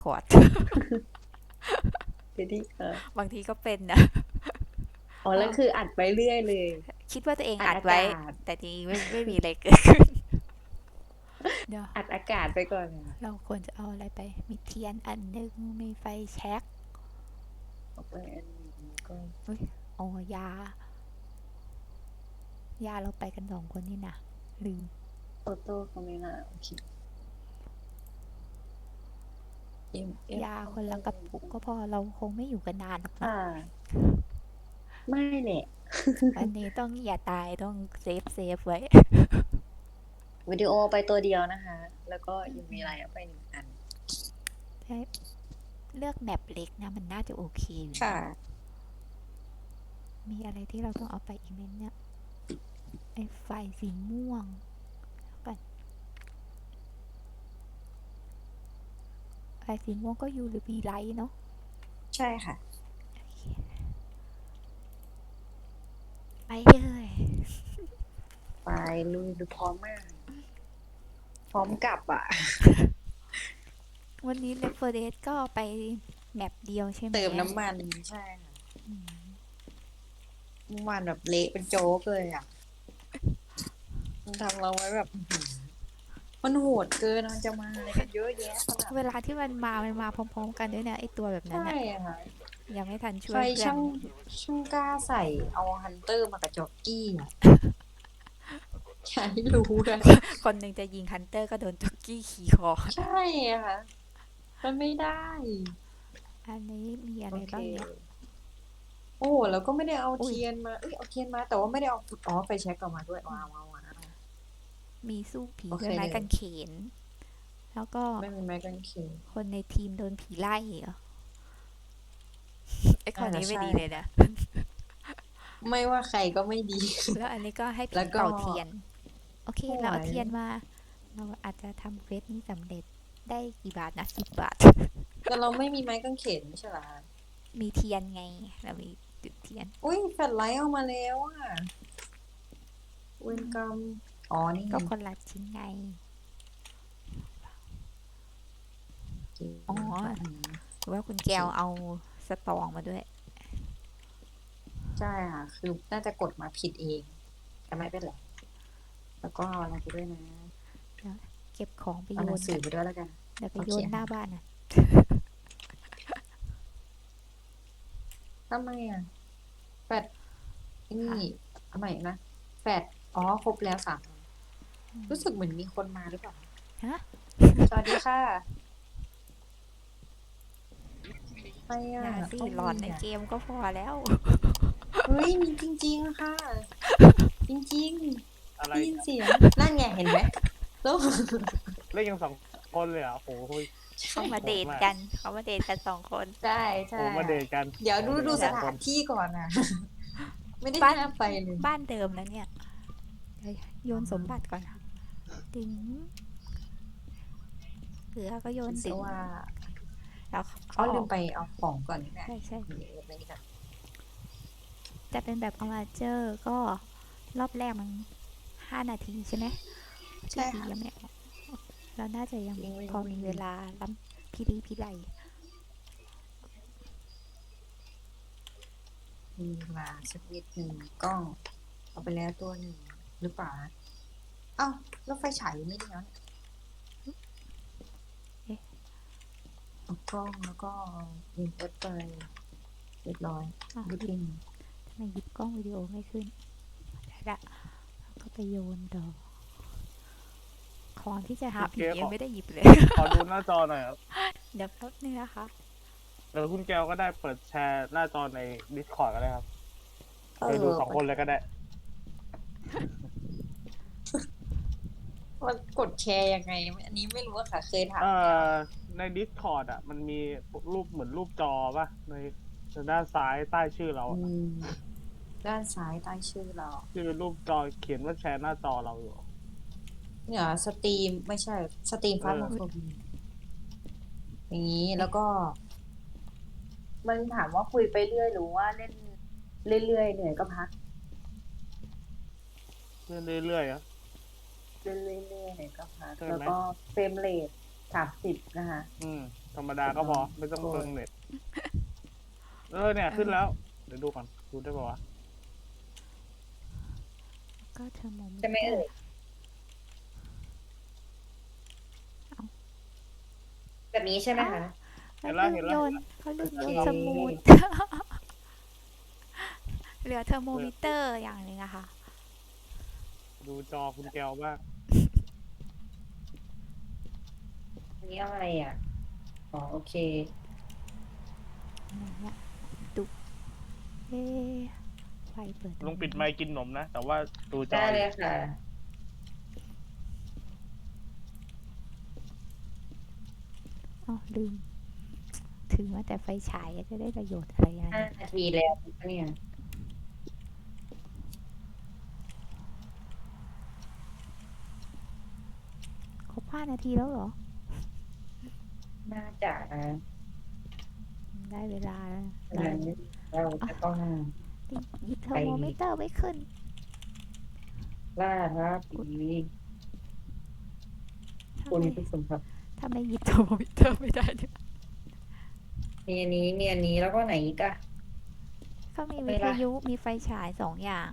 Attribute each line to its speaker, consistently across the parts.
Speaker 1: ขวด
Speaker 2: ทีนี้
Speaker 1: บางทีก็เป็นนะ
Speaker 2: อ๋อ
Speaker 1: เออ
Speaker 2: แล้วคืออัดไปเรื่อยเลย
Speaker 1: คิดว่าตัวเอง
Speaker 2: อัด
Speaker 1: อัดไว้
Speaker 2: อากาศ
Speaker 1: แต่จริงๆไม่มีอะไรเกิดขึ้นเดี๋ยว
Speaker 2: อัดอากาศไปก่อนค่ะ
Speaker 1: เราควรจะเอาอะไรไปมีเทียนอันหนึงมีไฟแช็ก
Speaker 2: เอาไปอันนี้ก็
Speaker 1: อุ้ยอ๋อยาเราไปกัน2 คนนี่นะลืม
Speaker 2: โตโต้เขาไม่น่าโอเคเอฟ
Speaker 1: ยา
Speaker 2: เขา
Speaker 1: คนละกระปุกก็พอเราคงไม่อยู่กันนานหรอกเนาะ
Speaker 2: ค่ะไม่แหละ
Speaker 1: อันนี้ต้องอย่าตายต้องเซฟไว้
Speaker 2: วิดีโอไปตัวเดียวนะคะแล้วก็ยังมีอะไรเอาไป1 อัน
Speaker 1: ใช่เลือกแมปเล็กนะมันน่าจะโอเคอยู่
Speaker 2: ค่ะ
Speaker 1: นะมีอะไรที่เราต้องเอาไปอีกไหมเนี่ยไอ้ไฟสีม่วงกันไฟสีม่วงก็ UV light เนาะ
Speaker 2: ใช่ค่ะ
Speaker 1: ไปเลย
Speaker 2: ไปลุยดูพร้อมมากพร้อมกลับอ่ะ
Speaker 1: วันนี้ Reference ก็ไปแมปเดียวใช่ไหม
Speaker 2: เติมน้ำมันใช่ค่ะ
Speaker 1: อืม
Speaker 2: เมื่อวานแบบเละเป็นโจ๊กเลยอ่ะมันทำเราไว้แบบมันโหดเกินมันจะมาอะไรกันเยอะแยะขนาด
Speaker 1: เวลาที่มันมาพร้อมๆกันด้วยนะไอตัวแบบนั้น
Speaker 2: ใช่
Speaker 1: อะ
Speaker 2: อะค่ะ
Speaker 1: ยังไม่ทันช่
Speaker 2: ใคร
Speaker 1: วยเพื่อน
Speaker 2: ช่างกล้าใส่เอาฮันเตอร์มากับจ็อกกี้อ่ะอย่าให้รู้นะ
Speaker 1: คนหนึ่งจะยิงฮันเตอร์ก็โดนจ็อกกี้ขี่คอ
Speaker 2: ใช่อะค่ะมันไม่ได้
Speaker 1: อันนี้มีอะ
Speaker 2: โอเค
Speaker 1: ไรบ้างเนี่ย
Speaker 2: โอ้แล้วก็ไม่ได้เอา
Speaker 1: อุ้ย
Speaker 2: เทียนมาเอาเทียนมาแต่ว่าไม่ได้เอาไฟแช็กออกมาด้วยว้าว
Speaker 1: มีสู้ผี
Speaker 2: โอเค
Speaker 1: ด้วยไม้
Speaker 2: เลย
Speaker 1: กางเขนแล้วก็
Speaker 2: ไม่มีไม้กางเขน
Speaker 1: คนในทีมโดนผีไล่เหรอไอข้อนี้ไม่
Speaker 2: น่าจะใช่
Speaker 1: ดีเลยนะ
Speaker 2: ไม่ว่าใครก็ไม่ดี
Speaker 1: แล้วอันนี้ก็ให้ ผี
Speaker 2: แล้วก็
Speaker 1: เป่าเทียนโอเค
Speaker 2: โอ้
Speaker 1: เราเอา
Speaker 2: ย
Speaker 1: เทียนมาเราอาจจะทำเควสนี้สำเร็จได้กี่บาทนะ10 บาท
Speaker 2: แต่เราไม่มีไม้กางเขนไม่ใช่เหรอคะ
Speaker 1: มีเทียนไงเรามีจุดเทียน
Speaker 2: อุ้ยแฟลชไลท์ออกมาแล้วอ่ะเวนกรรมอ๋อนี่
Speaker 1: ก็คนละชิ้นไง
Speaker 2: เก๋
Speaker 1: อ๋อ
Speaker 2: แบบนี้
Speaker 1: หรือว่าคุณ
Speaker 2: โอเค
Speaker 1: แก้วเอาสตองมาด้วย
Speaker 2: ใช่ค่ะคือน่าจะกดมาผิดเองแต่ไม่เป็นไรแล้วก็เอาอะไรไปด้วยนะ
Speaker 1: เดี๋ยวเก็บของไป
Speaker 2: เอาหนังสือ
Speaker 1: โยนกัน
Speaker 2: ไปด้วยแล้วกัน
Speaker 1: เดี๋ยวไป
Speaker 2: โอเค
Speaker 1: โยนหน้า
Speaker 2: ค่ะ
Speaker 1: บ้านนะ
Speaker 2: ทำไมอ่ะแฟด
Speaker 1: ค่ะ
Speaker 2: นี่ทำไมนะแฟดอ๋อครบแล้ว3 รู้สึกเหมือนมีคนมาหรือเปล่า
Speaker 1: ฮะ
Speaker 2: สวัสดีค่ะใครอ่ะ
Speaker 1: อย่าสิ
Speaker 2: ต้อง
Speaker 1: หลอนใน
Speaker 2: มีอ่ะ
Speaker 1: เกมก็พอแล้ว
Speaker 2: เฮ้ยมีจริงๆค่ะจริงๆ
Speaker 3: อะไร
Speaker 2: ได้ยิน
Speaker 3: เนี่ย
Speaker 2: เสียงนั่นไงเห็นไหมแล้ว
Speaker 3: เล่นกัน2 คนเลยเหรอ่ะโอ้โห
Speaker 1: เขามา
Speaker 3: โห
Speaker 1: เด
Speaker 3: ดมาก
Speaker 1: ทกันเขามาเดทกัน2 คน
Speaker 2: ใช่
Speaker 3: โอ้
Speaker 2: ใช่
Speaker 3: โหมาเดทกัน
Speaker 2: เดี๋ยวดู
Speaker 3: โอ้โหเดท
Speaker 2: ส
Speaker 3: สองคน
Speaker 2: ถานที่ก่อนนะไม่ได้
Speaker 1: บ้าน
Speaker 2: ห้ามไปเลย
Speaker 1: บ้านเดิมนะเนี่ยเดี๋ยวโย
Speaker 2: อ๋อ
Speaker 1: นสมบัติก่อนนะดึงเกลือก็โย
Speaker 2: คิ
Speaker 1: นดึง
Speaker 2: ดซะว่า
Speaker 1: แล้ว
Speaker 2: อ๋อ
Speaker 1: เขาออก
Speaker 2: ลืมไปเอาของก่อนนี่แหละ
Speaker 1: ใช่
Speaker 2: นี่เอาไปนี่ก่อน
Speaker 1: จะเป็นแบบอมาเจอร์ก็รอบแรกมัน5 นาทีใช่ไหมที่
Speaker 2: ใช่ค่ะ
Speaker 1: ดียังไม่ออกเราน่าจะยัง
Speaker 2: วิ่งวิ่ง
Speaker 1: พอ
Speaker 2: วิ่ง
Speaker 1: มีเวลาล้ำพิไล
Speaker 2: มีเวลาสักนิดหนึ่งกล้องเอาไปแล้วตัวหนึ่งหรือเปล่านะเอ้าแล้วไฟฉายอยู่นี่แล้วเนี่ย
Speaker 1: เอ๊ะ
Speaker 2: เอากล้องแล้วก็ยิงเอฟไปเรียบร้อย
Speaker 1: อ่ะ
Speaker 2: รู
Speaker 1: หยิบ
Speaker 2: ทิน
Speaker 1: ทำไมหยิบกล้องวิดีโอไม่ขึ้นได้ละแล้วก็ไปโยนต่อของที่จะหา
Speaker 3: คุณเก
Speaker 1: ผี
Speaker 3: ล
Speaker 1: ยังไม่ได้หยิบเลย
Speaker 3: ขอดูหน้าจอหน่อยครับ
Speaker 1: เดี๋ยวแป๊บนึงนะคะ
Speaker 3: หรือคุณแก้วก็ได้เปิดแชร์หน้าจอใน Discord ก็ได้ครับ
Speaker 2: เอ
Speaker 3: โดยดู
Speaker 2: อ
Speaker 3: 2 คนเลยก็ได้
Speaker 2: มันกดแชร์ยังไงอันนี้ไม่รู้อะค่ะเคยถาม
Speaker 3: เอ่
Speaker 2: แล้ว
Speaker 3: อใน Discord อ่ะมันมีรูปเหมือนรูปจอป่ะในด้านซ้ายใต้ชื่อเรา
Speaker 2: อื
Speaker 3: อะ
Speaker 2: มด้านซ้ายใต้ชื่อเรา
Speaker 3: ที่เป็นรูปจอเขียนว่าแชร์หน้าจอเราอยู่
Speaker 2: เนี่ยสตรีมไม่ใช่สตรีม
Speaker 3: เอ
Speaker 2: ฟาสโม
Speaker 3: อ
Speaker 2: โฟบีอย่างนี้
Speaker 1: เอ๊ะ
Speaker 2: แล้วก็มันถามว่าคุยไปเรื่อยหรือว่าเล่นเรื่อยๆเหนื่อยก็พัก
Speaker 3: เรื่อยๆอ่ะ
Speaker 2: เล่นเรื่อยๆเหนื่อยก็พัก
Speaker 3: ใช่ไหม
Speaker 2: แล้วก็เฟรมเรท30นะคะ
Speaker 3: อืมธรรมดาก็พอไม่ต้องเติมเน็ตเนี่ยขึ้นแล้ว เดี๋ยวดูก่อนดูได้ป่าวะ
Speaker 1: ก็เทอร์โมมิ
Speaker 2: ใช่ไหม
Speaker 1: เตอ
Speaker 2: เอ่ย
Speaker 1: ร์
Speaker 2: แบบนี้ใช่ไหมคะ
Speaker 3: เห็
Speaker 1: เขา
Speaker 3: นแล้ว
Speaker 1: ลืม
Speaker 3: เห็นแล้ว
Speaker 1: โยนเขาลืมโยน
Speaker 2: โอเค
Speaker 1: สมูท เหลือเทอร์โมมิเตอร์อย่างหนึ่งอะค่ะ
Speaker 3: ดูจอคุณแก้วบ้าง
Speaker 2: อันนี้อะไรอ่ะ อ๋อโอเค
Speaker 1: ไหนเนี่ยดุเอ๊ะไฟเปิด
Speaker 3: ลงปิดไมค์กินนมนะ แต่ว่าดูจอ
Speaker 2: ได้
Speaker 3: อ
Speaker 2: เล
Speaker 3: ยู่
Speaker 2: ยค่ะ
Speaker 1: อ๋อลืม ถือมาแต่ไฟฉายจะได้ประโยชน์อะไรอย่าง
Speaker 2: 5
Speaker 1: นี้
Speaker 2: นาทีแล้วเนี่ย
Speaker 1: ครบ5 นาทีแล้วเหรอ
Speaker 2: น่าจะนะ
Speaker 1: ได้เวลาแล้ว
Speaker 2: ฉะนั้นเราจะต้อง
Speaker 1: หยิบเทอร์โมมิเตอร์ไว้ขึ้น
Speaker 2: ล่าท้าผี
Speaker 1: ทำ
Speaker 2: คุณ
Speaker 1: ไม
Speaker 2: ผู้ชมครับ
Speaker 1: ทำไมหยิบเทอร์โมมิเตอร์ไม่ได้เนี่ย
Speaker 2: มีอันนี้มีอันนี้แล้วก็ไหนอีกอะ
Speaker 1: เขามี
Speaker 2: ไม่
Speaker 1: วิท
Speaker 2: ละ
Speaker 1: ยุมีไฟฉาย2 อย่าง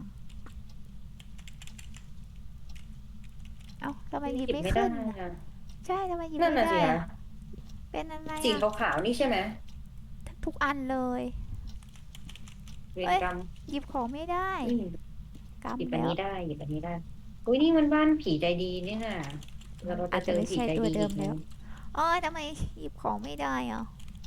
Speaker 1: เอ้าทำไมหยิบ
Speaker 2: หยิบ
Speaker 1: ไม่
Speaker 2: ไม่ได้
Speaker 1: ขึ้นน่ะ
Speaker 2: อะ
Speaker 1: ใช่ทำไมหยิบ
Speaker 2: นั่น
Speaker 1: ไม่
Speaker 2: น่ะสิ
Speaker 1: ได้
Speaker 2: คะ
Speaker 1: อะเป็นอะไร
Speaker 2: สี
Speaker 1: อะ
Speaker 2: ขาวๆนี่ใช่ไหม
Speaker 1: ทุกอันเลย
Speaker 2: เวร
Speaker 1: เอ้ย
Speaker 2: กรรม
Speaker 1: หยิบของไม่ได้
Speaker 2: อืม
Speaker 1: กรรม
Speaker 2: หยิบอัน
Speaker 1: แล้ว
Speaker 2: นี้ได้หยิบอันนี้ได้อุ้ยนี่มันบ้านผีใจดีนี่ค่ะแล้วเรา
Speaker 1: อา
Speaker 2: จะ
Speaker 1: จ
Speaker 2: เจ
Speaker 1: จะ
Speaker 2: อ
Speaker 1: ไม่
Speaker 2: ผี
Speaker 1: ใช่
Speaker 2: ใจ
Speaker 1: ตัว
Speaker 2: ดี
Speaker 1: เดิ
Speaker 2: อี
Speaker 1: ม
Speaker 2: กไหม
Speaker 1: แล้วเอ้ยทำไมหยิบของไม่ได้อ่ะ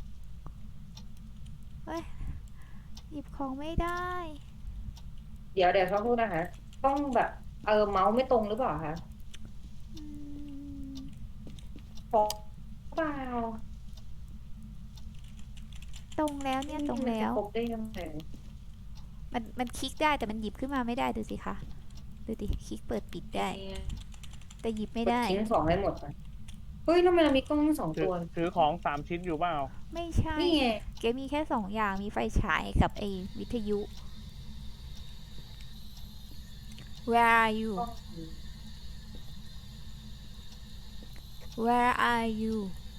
Speaker 1: เฮ้ยหยิบของไม่ได้
Speaker 2: เดี๋ยวเขาพูดนะคะ ต้องแบบเมาส์ไม่ตรงหรือเปล่าคะ
Speaker 1: อืม
Speaker 2: เพราะเปล่า
Speaker 1: ตรงแล้วเนี่ยตรง
Speaker 2: มัน
Speaker 1: แล้
Speaker 2: จะ
Speaker 1: ว
Speaker 2: ครบได้ยังไง
Speaker 1: มันคลิกได้แต่มันหยิบขึ้นมาไม่ได้ดูสิคะดูดิคลิกเปิดปิดได้ แต่หยิบไม่
Speaker 2: กด
Speaker 1: ได้
Speaker 2: ทิ้งของให้หมดก่อนเฮ้ยทำไมเรามีกล้องทั้งสอง
Speaker 3: ถื
Speaker 2: ตั
Speaker 3: อ
Speaker 2: ว
Speaker 3: ถือของ3 ชิ้นอยู่เปล่า
Speaker 1: ไม่ใช่
Speaker 2: นี่ไง
Speaker 1: เกมมีแค่2 อย่างมีไฟฉายกับไอ้วิทยุ Where are you
Speaker 2: กล้อง
Speaker 1: Where are you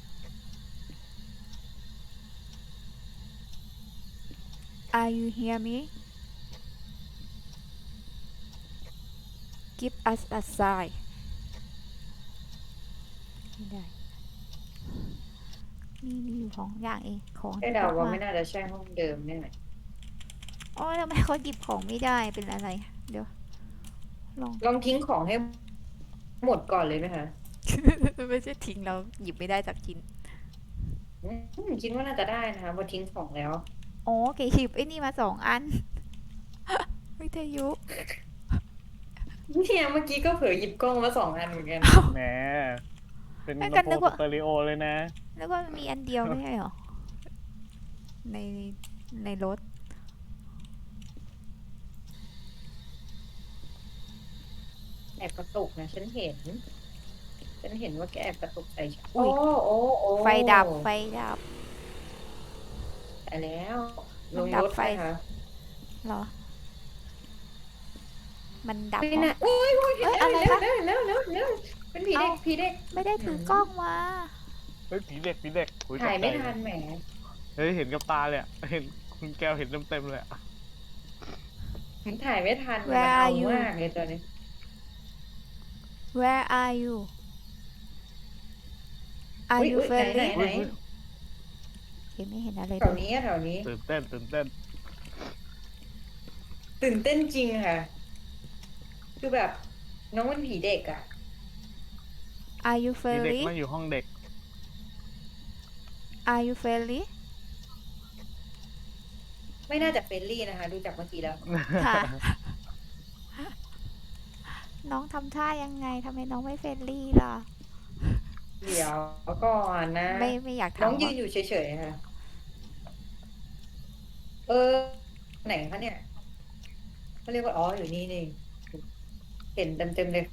Speaker 1: Are you hear me Give us a sign ไม่ได้มีอยู่2 อย่างเองของ
Speaker 2: ได้
Speaker 1: ที่
Speaker 2: เดา
Speaker 1: พก
Speaker 2: ว่า
Speaker 1: มา
Speaker 2: ไม่น่าจะใช่ห้องเดิมเนี่ย
Speaker 1: โอ้ยทำไมเขาหยิบของไม่ได้เป็นอะไร เดี๋ยว ลอง
Speaker 2: ลองทิ้งของให้หมดก่อนเลยไหมคะ
Speaker 1: ไม่ใช่ทิ้งเราหยิบไม่ได้จากชิ้น
Speaker 2: คิดว่าน่าจะได้นะคะพอทิ้งของแล้ว
Speaker 1: อ๋อเก๋หยิบไอ้นี่มา2 อัน วิทยุ
Speaker 2: เนี่ยเมื่อกี้ก็เผลอหยิบกล้องมา2 อันเหมือนกัน
Speaker 3: แหม เป็น
Speaker 1: ไม่กั
Speaker 3: ลำ
Speaker 1: น
Speaker 3: โพ
Speaker 1: นึ
Speaker 3: ง
Speaker 1: กว่า
Speaker 3: สเตอริโอเลยนะ
Speaker 1: แล้วก็มีอันเดียวไม่ใช่เหรอ ในในรถ
Speaker 2: แอบกระตุกนะฉันเห็นว่าแกแอบกระตุกใส่ฉัน
Speaker 1: อุ๊
Speaker 2: โอ้
Speaker 1: ย
Speaker 2: โอ้
Speaker 1: ไฟดับไฟดับ
Speaker 2: แต่แล้วล
Speaker 1: มัน
Speaker 2: ง
Speaker 1: ดับ
Speaker 2: รถ
Speaker 1: ไฟ
Speaker 2: ไปค่ะ
Speaker 1: เหรอ มันดับ
Speaker 2: ไม่
Speaker 1: เพราะ
Speaker 2: น่ะโอ้ย
Speaker 1: เอ้ยอะไรคะ
Speaker 2: แล้วเป็นผีเด็ก
Speaker 1: เอ้า
Speaker 2: ผีเด็ก
Speaker 1: ไม่ได้ถือกล้องมา
Speaker 3: เฮ้ยผีเด็กอุ๊
Speaker 2: ถ่ายไม่
Speaker 3: ตกใจ
Speaker 2: ทันแหม
Speaker 3: เฮ้ยเห็นกับตาเลยอะเห็นคุณแก้วเห็นเต็มเลยอะ
Speaker 2: ถ่ายไม่ทันมัน
Speaker 1: Where
Speaker 2: เอา
Speaker 1: are you
Speaker 2: มากเลยตอนนี้
Speaker 1: Where are you Are
Speaker 2: อุ๊ย
Speaker 1: you
Speaker 2: อุ๊ยไหน
Speaker 1: friendly
Speaker 2: ไหน
Speaker 1: เห็นไม่เห็นอะไร
Speaker 2: แถ
Speaker 1: เล
Speaker 2: วย นี้แถวนี้
Speaker 3: ตื่นเต้น
Speaker 2: ตื่นเต้นจริงค่ะ คือแบบน้องเป็นผีเด็กอ่ะ
Speaker 1: Are you
Speaker 3: มีเด็ก
Speaker 1: friendly
Speaker 3: นั่งอยู่ห้องเด็ก
Speaker 1: Are you friendly
Speaker 2: ไม่น่าจะเฟรนลี่นะคะ ดูจากเมื่อกี้แล้ว
Speaker 1: ค่ะ น้องทำท่ายังไงทำไมน้องไม่เฟรนลี่ล่ะ
Speaker 2: เดี๋ยวก่อนนะ
Speaker 1: ไม่อยาก
Speaker 2: น้อง
Speaker 1: ทำ
Speaker 2: ยื
Speaker 1: ว่ะ
Speaker 2: นอยู่เฉยๆค่ะ ไหนคะเนี่ยเขาเรียกว่าอ๋ออยู่นี่นี่เห็นเต็มเลย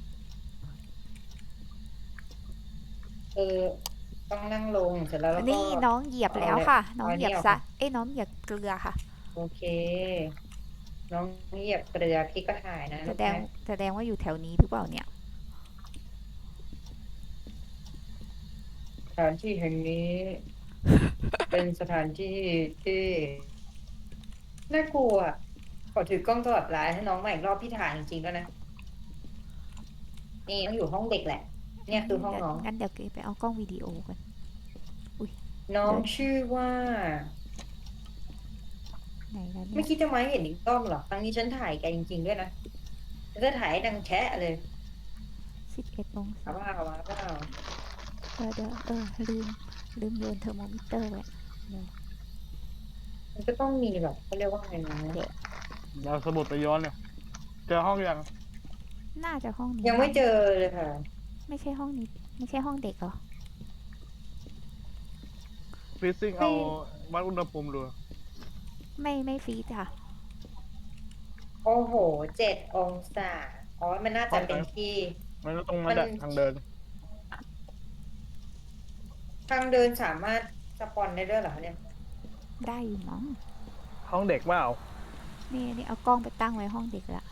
Speaker 2: ต้องนั่งลงเสร็จแล้วก็
Speaker 1: นี่น้องเหยียบแล้วค่ะ น้องเหยียบซะน้องเหยียบเกลือค่ะ
Speaker 2: โอเค น้องเหยียบเกลือพี่ก็ถ่ายนะ
Speaker 1: แสดงว่าอยู่แถวนี้หรือเปล่าเนี่ย
Speaker 2: สถานที่แห่งนี้เป็นสถานที่ที่น่ากลัวอะขอถือกล้องตลอดเวลาให้น้องใหม่อีกรอบพี่ถ่ายจริงๆแล้วนะนี่ต้องอยู่ห้องเด็กแหละ เนี่ยคือห้องน้อง
Speaker 1: งั้นเดี๋ยวเก๋ไปเอากล้องวิดีโอกันอุ้ย
Speaker 2: น้อง
Speaker 1: เดิน
Speaker 2: ชื่อว่า
Speaker 1: ไหนแล้วเนี่
Speaker 2: ไม่
Speaker 1: ย
Speaker 2: คิดจะมาให้เห็นอีกรอบหรอครั้งนี้ฉันถ่ายแกจริงๆด้วยนะแล้วก็ถ่ายให้ดังแชะเลย
Speaker 1: 11 องศา
Speaker 2: เอาว่าเอาว่าเอา
Speaker 1: เดี๋ยวลืมโยนเทอร์โมมิเตอร์ไว้เดี๋ยว
Speaker 2: มันก็ต้องมีแบบเขาเรียกว่าไงนะ
Speaker 3: เราสมุดไปย้อนเนี่ยเจอห้องยัง
Speaker 1: น่าจะห้องนี้
Speaker 2: ยังไม่เจอเลยค่ะ
Speaker 1: ไม่ใช่ห้องนี้ ไม่ใช่ห้องเด็กเหรอ
Speaker 3: ฟิซซิ่งเอาวัดอุณหภูมิดู
Speaker 1: ไม่ฟรีดค่ะ
Speaker 2: โอ้โห7 องศาอ๋อมันน่าจะเป็นที่
Speaker 3: มันก็ตรงมาจากทางเดิน
Speaker 2: ทางเดินสามารถสปอนได้ด้วยเหรอคะเนี่ย
Speaker 1: ได้อยู่มั้ง
Speaker 3: ห้องเด็กเปล่า
Speaker 1: นี่เอากล้องไปตั้งไว้ห้องเด็กละ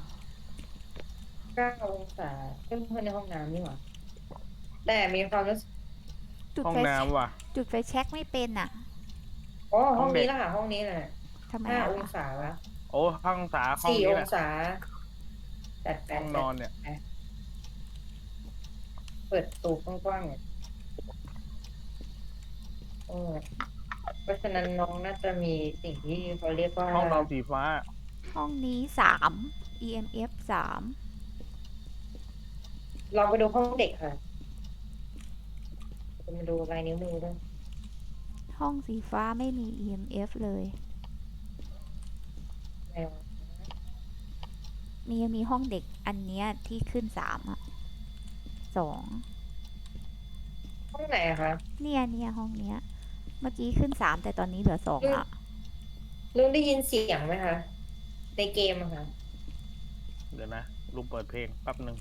Speaker 2: 9 องศาเพื่อนในห้องน้ำนี่หว่าแต่มีความรู้สึก
Speaker 1: จุด
Speaker 3: ห้อง
Speaker 1: ไฟ
Speaker 3: น้ำว่ะ
Speaker 1: จุดไฟแช็กไม่เป็นอ่ะ
Speaker 2: อ๋อ
Speaker 3: ห้
Speaker 2: ห้
Speaker 3: อ
Speaker 2: อง ง
Speaker 3: เด็ก
Speaker 2: นี้ละค่ะห้องนี้แหละ
Speaker 1: ทำไม
Speaker 2: ห้า
Speaker 1: อะ
Speaker 2: องศาละ
Speaker 3: โอ้ห้องสาห้อง
Speaker 2: สี่
Speaker 3: นี้
Speaker 2: อ
Speaker 3: แห
Speaker 2: ง
Speaker 3: ละ
Speaker 2: ศาจัดแป
Speaker 3: ห้องนอนเนี่ย
Speaker 2: เปิดตูกว้างๆเนี่ยโอ้ยเพราะฉะนั้นน้องน่าจะมีสิ่งที่เขาเรียกว่า
Speaker 3: ห้องนอนสีฟ้า
Speaker 1: ห้องนี้3 EMF 3
Speaker 2: ลองไปดูห้องเด็กค่ะจะมาดูลายนิ้วมือด้วย
Speaker 1: ห้องสีฟ้าไม่มี EMF เลย
Speaker 2: แมว
Speaker 1: มีห้องเด็กอันเนี้ยที่ขึ้น3อ่ะ2
Speaker 2: ห้องไหนอะคะ
Speaker 1: เนี่ยห้องเนี้ย เมื่อกี้ขึ้น3แต่ตอนนี้เหลือ2อ่ะ
Speaker 2: ลุงได้ยินเสียงไหมคะในเกมอะค่ะ
Speaker 3: เดี๋ยวนะลุงเปิดเพลงแป๊บหนึ่ง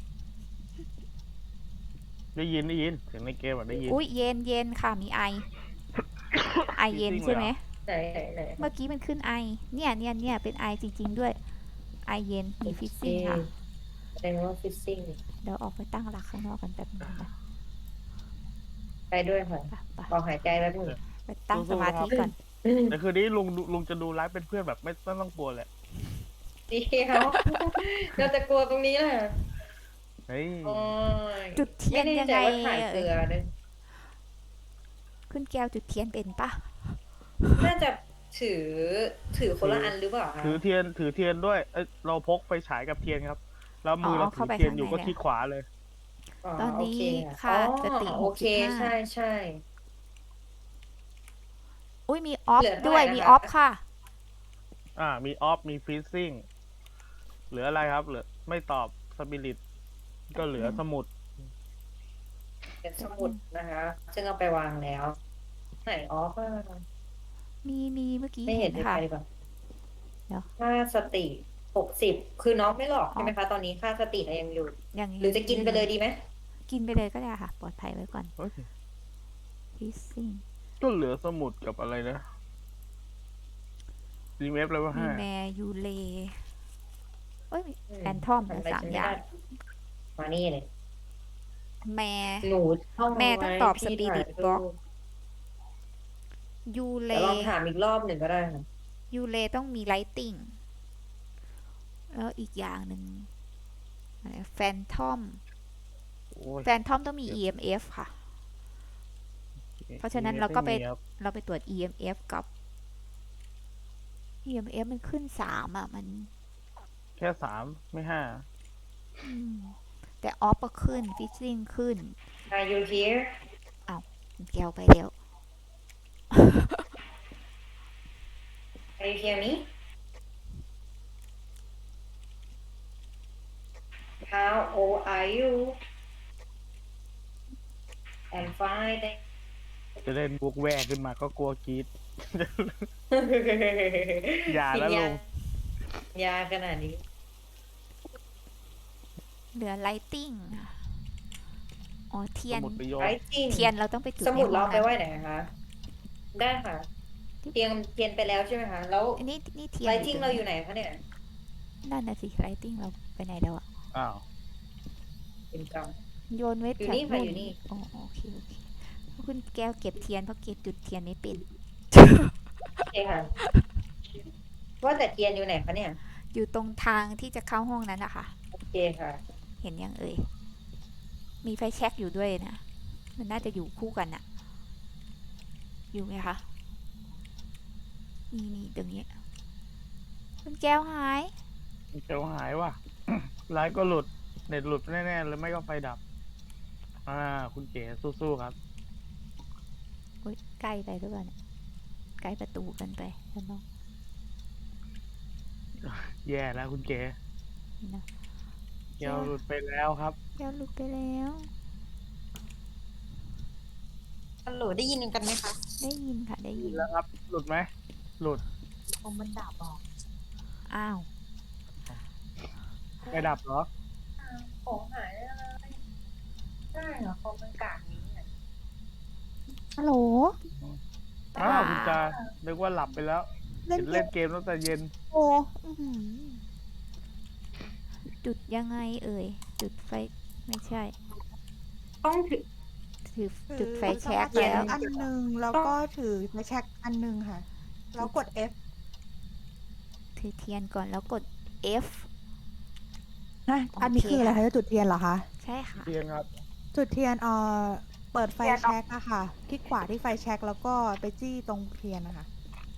Speaker 3: ได้ยินเสียงในเกมอ่ะได้ยิน
Speaker 1: อุ้ยเย็นค่ะมีไอ ไอเย็น
Speaker 3: จริงๆ
Speaker 1: ใช่ไหม
Speaker 2: ไหนไหน
Speaker 1: เมื่อกี้มันขึ้นไอ เนี่ยเป็นไอจริง ๆ ด้วย ไอเย็นมีฟิซซิ่งค่ะ
Speaker 2: แสดงว่าฟิซซิ่ง
Speaker 1: เดี๋ยวออกไปตั้งหลักข้างนอกกันแป๊บนึงนะ
Speaker 2: ไปด้วยค่ะ
Speaker 1: ไป
Speaker 2: ลองหายใจแล้วนึง
Speaker 1: ไปตั้งสมาธิก่อน
Speaker 3: แต่คืนนี้ลุงจะดูไลฟ์เป็นเพื่อนแบบไม่ต้องกลัวแหละ
Speaker 2: เดียวเราจะกลัวตรงนี้แหละ
Speaker 3: เฮ้ย
Speaker 2: โอ้ย
Speaker 1: จุดเทีย
Speaker 2: ไม่
Speaker 1: น
Speaker 2: แน่
Speaker 1: ยัง
Speaker 2: ใจ
Speaker 1: ไง
Speaker 2: ว่าถ่ายเกลือเลย
Speaker 1: ขึ้นแก้วจุดเทียนเป็นปะ
Speaker 2: น่าจะถือคนละอันหรือเปล่าคะ
Speaker 3: ถือเทียนด้วยเราพกไฟฉายกับเทียนครับ แล้วมือเราถือเทียนอยู่ก็คลิกขวาเลย
Speaker 1: ตอนนี้
Speaker 2: โเค
Speaker 1: ขาดสติ
Speaker 2: โอเคใช่
Speaker 1: 65
Speaker 2: ใช่
Speaker 1: อุ้ยมีออฟ
Speaker 2: เหลือเท่าไหร่
Speaker 1: ด้วย
Speaker 2: นะคะ
Speaker 1: มีออฟค่ะ
Speaker 3: มีออฟมีฟรีซิ่งเหลืออะไรครับเหลือไม่ตอบสปิริตก็เหลือสมุด
Speaker 2: เป็นสมุดนะคะ ซึ่งเอาไปวางแล้ว ไหนออฟอะ
Speaker 1: มีเมื่อกี้
Speaker 2: ไม่เห็
Speaker 1: เห็
Speaker 2: น
Speaker 1: น
Speaker 2: เลย
Speaker 1: ค่ะ
Speaker 2: ไปดีกว่า
Speaker 1: เดี๋ยว
Speaker 2: ค่าสติ60คือน้องไม่หลอกใช่ไหมคะ ตอนนี้ค่าสติเรายังอยู่
Speaker 1: อย่าง
Speaker 2: หรือจะกินไปเลยดีไหม
Speaker 1: กินไปเลยก็ได้ค่ะ ปลอดภัยไว้ก่อน
Speaker 3: เฮ้ย
Speaker 1: ฟิซซิ่ง
Speaker 3: ก็เหลือสมุดกับอะไรนะดีเอฟเลยว่า
Speaker 1: มี
Speaker 3: ห้า
Speaker 1: แมยูเลเอ้ย
Speaker 2: อืม
Speaker 1: แฟนทอม
Speaker 2: ทำ
Speaker 1: นะ
Speaker 2: อะไร
Speaker 1: สาม
Speaker 2: ฉัน
Speaker 1: อ
Speaker 2: ไม่
Speaker 1: ย่าง
Speaker 2: ได้มานี่เลย
Speaker 1: แม
Speaker 2: หนูท่อง
Speaker 1: แม่ต้องตอบ
Speaker 2: ไว้พี่
Speaker 1: Spirit
Speaker 2: ถ่ายรูป
Speaker 1: Box ยูเล
Speaker 2: เดี๋ยวลองถามอีกรอบหนึ่งก็ได้ค่ะ
Speaker 1: ยูเลต้องมีไลติงแล้วอีกอย่างหนึ่งแฟนทอม
Speaker 3: โอ้ย
Speaker 1: แฟนทอมต้องมี EMF ค่ะ เพราะฉะนั้นเราก็ไป
Speaker 3: ม่มีครับ
Speaker 1: เราไปตรวจ EMF กับ EMF มันขึ้น3อ่ะ มัน
Speaker 3: แค่3ไม่5
Speaker 1: อืมแต่ออฟก็ขึ้นฟิซซิ่งขึ้น
Speaker 2: Are you here
Speaker 1: แก้วไปแล้ว
Speaker 2: Are you hear me How old are you I'm fine
Speaker 3: จะเล่นบุกแวกขึ้นมาก็กลัวกรีด อย่าแล้ว
Speaker 2: กิน
Speaker 3: ลุง
Speaker 2: ยาขนาดนี้
Speaker 1: เหลือไลติงอ๋อเทีย
Speaker 3: ส
Speaker 1: น
Speaker 3: มุดไปโยน
Speaker 2: ไอ้จริง
Speaker 1: เทียนเราต้องไปจุด
Speaker 2: สมุด
Speaker 1: ใน
Speaker 2: เรา
Speaker 1: ห้อง
Speaker 2: ไป
Speaker 1: นั้น
Speaker 2: ไว้ไหนคะ ได้ค่ะ เทียนไปแล้วใช่ไหมคะ แล้ว
Speaker 1: อันนี่เทียน
Speaker 2: ไลทิงเราอยู่ไหนคะเนี่ย
Speaker 1: นั่นน่ะสิไลติงเราไปไหนแล้วอะ
Speaker 3: อ้าว
Speaker 2: เป็นกรรม
Speaker 1: โยนไว้
Speaker 2: อยู่
Speaker 1: แถว
Speaker 2: นี่ค่ะอยู่นี่
Speaker 1: อ๋อโอเคคุณแก้วเก็บเทียนเพราะเก็บจุดเทียนไม่เป็น
Speaker 2: โอเคค่ะ ว่าแต่เทียนอยู่ไหนคะเนี่ย
Speaker 1: อยู่ตรงทางที่จะเข้าห้องนั้นอะค่ะ
Speaker 2: โอเคค่ะ
Speaker 1: เห็นยังเอ่ย มีไฟแช็กอยู่ด้วยนะ มันน่าจะอยู่คู่กันอะอยู่ไหมคะ นี่ตรงนี้ คุณแก้วหาย
Speaker 3: เดี๋ยวหายว่ะ ไลฟ์ก็หลุด เน็ตหลุดแน่ๆเลยไม่ก็ไฟดับ คุณเก๋สู้ๆครับ
Speaker 1: โอ๊ยใกล้ไปหรือเปล่าเนี่ยใกล้ประตูกันไปแล้วเนาะ
Speaker 3: แย่แล้วคุณเก๋
Speaker 1: นี่นะ
Speaker 3: เกียวหลุดไปแล้วครับ
Speaker 1: แก้วหลุดไปแล้ว
Speaker 2: ฮัลโหลได้ยินกันไหมคะ
Speaker 1: ได้ยินค่ะได้ยิน
Speaker 3: แล้วครับ หลุดไหม หลุด
Speaker 2: คอมมันดับออก
Speaker 1: อ้าว
Speaker 3: ไม่ดับเหรอ
Speaker 2: ของหายอะไรได้เหรอคอมมันกากนี้เนี่ย
Speaker 1: ฮัลโหล
Speaker 3: อ้าวคุณจานึกว่าหลับไปแล้ว
Speaker 4: เล่น
Speaker 3: เห็น
Speaker 4: เก
Speaker 3: เล่
Speaker 4: ม
Speaker 3: นเกมตั้งแต่เย็น
Speaker 4: โอ้
Speaker 1: อื้อหือจุดยังไงเอ่ย จุดไฟไม่ใช่
Speaker 2: ต้องถือ
Speaker 1: ถือ
Speaker 4: ถือ
Speaker 1: จุดไฟแช็ก
Speaker 4: ถือ
Speaker 1: แล้ว
Speaker 4: อันหนึ่งแล้วก็ถือไฟแช็กอันหนึ่งค่ะ แล้วกด F
Speaker 1: ถือเทียนก่อนแล้วกด F
Speaker 4: นะ
Speaker 1: โอเค
Speaker 4: อันนี้คืออะไรคะจะจุดเทียนเหรอคะ
Speaker 1: ใช่ค่ะ
Speaker 3: เทียนครับ
Speaker 4: จุดเทียนเปิดไฟแช็กอะค่ะ คลิกขวาที่ไฟแช็กแล้วก็ไปจี้ตรงเทียนนะคะ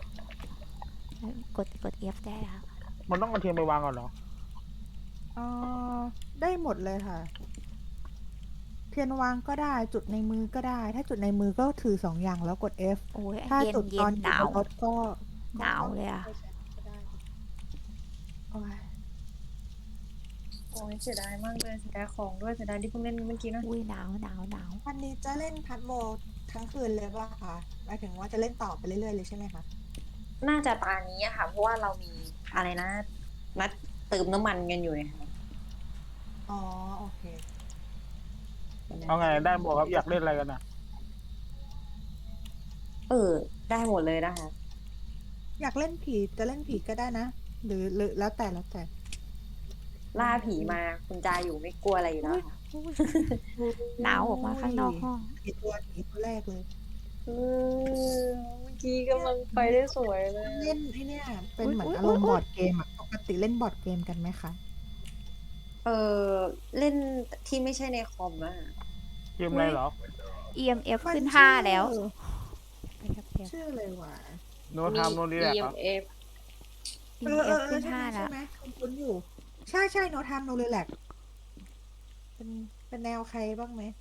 Speaker 1: กด F ได้แล้ว
Speaker 3: มันต้องเอาเทียนไปวางก่อนเหรอ
Speaker 4: เอ่อได้หมดเลยค่ะ เทียนวางก็ได้ จุดในมือก็ได้ ถ้าจุดในมือก็ถือสองอย่างแล้วกด F
Speaker 1: โอ้ย
Speaker 4: ถ้า
Speaker 1: เย็น
Speaker 4: จุด
Speaker 1: เย็
Speaker 4: ตอน
Speaker 1: น
Speaker 4: อ
Speaker 1: ห
Speaker 4: ยู่
Speaker 1: นาว
Speaker 4: บนรถก็
Speaker 1: หนาวเลยอะ
Speaker 4: ไฟแช็กก็ได้โอ้ย
Speaker 2: โอ้ยเสียดายมากเลยเสียดายของด้วยเสียดายที่เพิ่งเล่นเมื่อกี้นะ
Speaker 1: อุ้ยหนาว
Speaker 4: วันนี้จะเล่นพัดโมทั้งคืนเลยป่ะคะหมายถึงว่าจะเล่นต่อไปเรื่อยๆเลยใช่ไหมคะ
Speaker 2: น่าจะตานี้อะค่ะ เพราะว่าเรามีอะไรนะ นัดเติมน้ำมันกันอยู่ไงค่ะ
Speaker 4: อ๋อ โอเค
Speaker 3: เอาไงได้บอกครับอยากเล่นอะไรกันอ่ะ
Speaker 2: ได้หมดเลยนะคะ
Speaker 4: อยากเล่นผีจะเล่นผีก็ได้นะ หรือแล้วแต่
Speaker 2: ล่าผีมาคุณจาอยู่ไม่กลัวอะไรอยู่แล้วค่ะ
Speaker 1: หนาวออกมาข้างนอกห้อง
Speaker 4: ผีตัวแรกเลย
Speaker 2: เมื่อกี้กำลังไปได้สวยเลย
Speaker 4: เล่นไอ้เนี่ยเป็นเหมือน
Speaker 1: อุ๊ย
Speaker 4: อารมณ์
Speaker 1: อุ๊ย
Speaker 4: บอร์ดเกมอ่ะปกติเล่นบอร์ดเกมกันไหมคะ
Speaker 2: เล่นที่ไม่ใช่ในคอมอะ
Speaker 3: เกมอะไรเหรอ
Speaker 1: EMF ขึ้น
Speaker 4: มันชื่อ
Speaker 1: 5 แล้วไปครับเทียน
Speaker 4: ชื่ออะไรวะ
Speaker 3: โน้ตทำโน้ตนี่แหละครับ
Speaker 2: EMF
Speaker 1: EMF ขึ้น
Speaker 4: ใช่ไหม
Speaker 1: 5 แล้ว
Speaker 4: ใช่ไหมคุ้นๆอยู่ ใช่โนทามโนเรแลกเป็นแนวใครบ้างไหม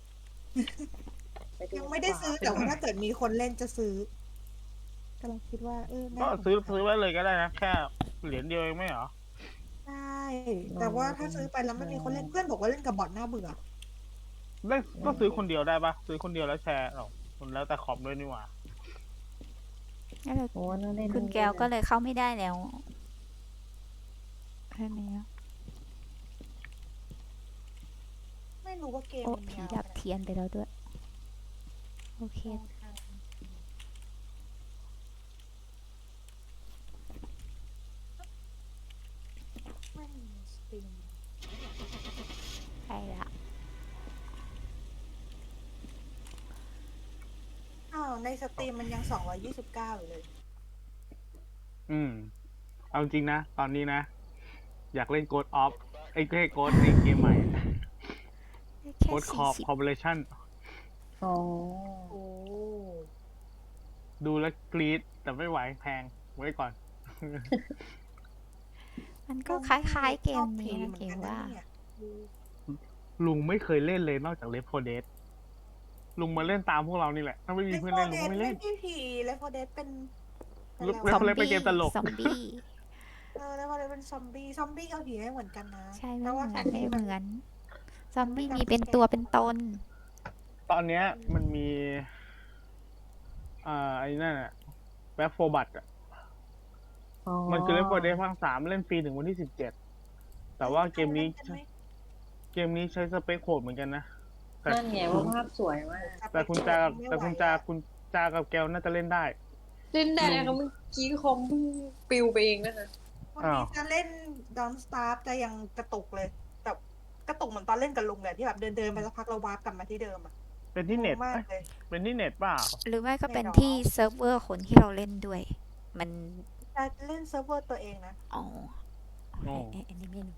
Speaker 4: ยังไม่ได้ซื้อแต่ว่าถ้าเกิดมีคนเล่นจะซื้อกำลังคิดว่าน่า
Speaker 3: ก็
Speaker 4: สนใจ
Speaker 3: ซื้อไว้เลยก็ได้นะ แค่เหรียญเดียวเองไม่เหรอ
Speaker 4: ใช่แต่ว่าถ้าซื้อไปแล้วไม่มีคนเล่นเพื่อนบอกว่าเล่นกับบอทน่าเบื่อ
Speaker 3: ได้ก็ซื้อคนเดียวได้ปะซื้อคนเดียวแล้วแชร์เอาคนแล้วแต่ขอบด้วยนี่หว่า
Speaker 1: แล้วเรา
Speaker 2: โอ้น่าเล่น
Speaker 1: คุณแก้วก็เลยเข้าไม่ได้แล้วใช่ไหมอะ
Speaker 4: ไม่รู้ว่าเกม
Speaker 1: โอ้
Speaker 4: มัน
Speaker 1: ผี
Speaker 4: ยาว
Speaker 1: ดับเทียนไปแล้วด้วย โอเค
Speaker 4: ไม่มีสตรีม
Speaker 1: ใช่ละ
Speaker 4: ในสตรีมมันยัง229อยู่เลย
Speaker 3: เอาจริงนะ ตอนนี้นะ อยากเล่นโกดออฟไอ้โกดในเกมใหม่
Speaker 1: แค่
Speaker 3: โกดคอร์
Speaker 1: 40
Speaker 3: ปอร์เรชั่น
Speaker 2: อ๋อ
Speaker 4: โอ้
Speaker 3: ดูแล้วกรี๊ดแต่ไม่ไหวแพงไว้ก่อน
Speaker 1: มันก็คล้ายๆเกมนี้
Speaker 4: ชอบ
Speaker 1: นะ
Speaker 4: ผี
Speaker 1: เกม
Speaker 4: หมือนกัน
Speaker 1: ว่า
Speaker 4: นะเนี่ย
Speaker 3: ลุงไม่เคยเล่นเลยนอกจากเลฟโฟเดสลุงมาเล่นตามพวกเรานี่แหละ ถ้าไม่มีเพื่อนเล่นลุงก็ไม่เล่น
Speaker 4: ไม่ใช่ผีเลฟโฟเดสเป็น
Speaker 3: ลูก
Speaker 4: อะไร
Speaker 3: ซอ
Speaker 4: วะ
Speaker 3: มบี้ เป็นเกมตลก
Speaker 1: ซอมบี้
Speaker 4: เลฟโฟเดสเป็นซอมบี้กับผีไม่เหมือนกันนะ
Speaker 1: ใช่
Speaker 4: แต่
Speaker 1: ไม่เห
Speaker 4: ว่า
Speaker 1: มือน
Speaker 4: ซอม
Speaker 1: ไม่
Speaker 4: บี้
Speaker 1: เห
Speaker 4: มัน
Speaker 1: มือน ซอมบี้มีเป็นตัวเป็นตน
Speaker 3: ตอนเนี้ยมันมีไอ้นั่นอะแบ็คโฟบัตอะมันคือเลฟโฟเดสภาค 3เล่นฟรีถึงวันที่ 17 แต่ว่าเกมนี้ใช้สเปคโหดเหมือนกันนะแต่
Speaker 2: นั่นไงว่าภาพสวยมาก
Speaker 3: แต่คุณจากับแกวน่าจะเล่นได้
Speaker 2: เล่นได้ค่ะเมื่อกี้คอมเพิ่งปิวไปเองนะคะ
Speaker 4: วันนี้จะเล่น Don't Starve จะยังกระตุกเลยแต่กระตุกเหมือนตอนเล่นกับลุงเลยที่แบบเดินไปสักพักเราวาร์ปกลับมาที่เดิมอ่ะ
Speaker 3: เป็นที่เน็ต
Speaker 4: งงมาก
Speaker 3: เอ้ย
Speaker 4: เลย
Speaker 3: เป็นที่เน็ตเปล่า
Speaker 1: หรือไม่ก็เป็น
Speaker 4: ไม่หรอก
Speaker 1: ที่เซิร์ฟเวอร์คนที่เราเล่นด้วย มัน
Speaker 4: จะเล่นเซิร์ฟเวอร์ตัวเองนะ
Speaker 1: อ๋อ
Speaker 3: อ๋อ
Speaker 1: อันนี้ไม่รู้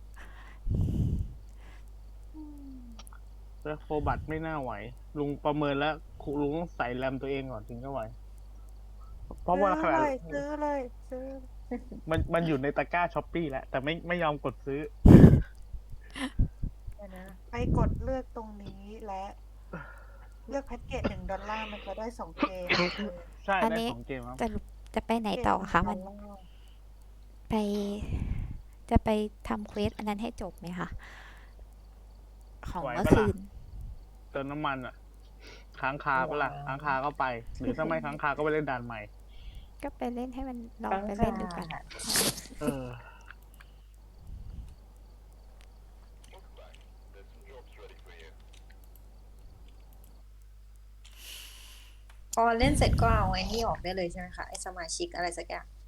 Speaker 3: แบ็คโฟบัตไม่น่าไหว ลุงประเมินแล้วลุงต้องใส่แรมตัวเองก่อนถึงจะไหว เพราะว่าข
Speaker 4: ซื้อ
Speaker 3: นาด
Speaker 4: เลยซื้อเลยซื้อ
Speaker 3: มันอยู่ในตะกร้าช้อปปี้แล้ว แต่ไม่ยอมกดซื้อ
Speaker 4: เดี๋ยวนะไปกดเลือกตรงนี้และเลือกแพ็กเกจ$1มันจะได้2 เกม
Speaker 3: ใช่
Speaker 1: อัน
Speaker 3: ได้
Speaker 1: นี้
Speaker 3: 2 เกมครับ
Speaker 1: จะไปไหนต่อคะ มัน ไป จะไปทำเควสอันนั้นให้จบไหมคะ ของ
Speaker 3: ไหว
Speaker 1: เมื่อ
Speaker 3: ปะล่ะ
Speaker 1: คืน
Speaker 3: เติมน้ำมันอ่ะ ค้างคาปะล่ะ ค้างคาก็ไป หรือถ้าไม่ค้างคาก็ไปเล่นด่านใหม่
Speaker 1: ก็ไปเล่นให้มันลอง
Speaker 2: ค้าง
Speaker 1: ไปเล่นดู
Speaker 2: คา
Speaker 1: กัน
Speaker 3: เออ
Speaker 2: พอเล่นเสร็จก็เอาไอ้นี่ออกได้เลยใช่ไหมคะไอ้สมาชิกอะไรสักอย่าง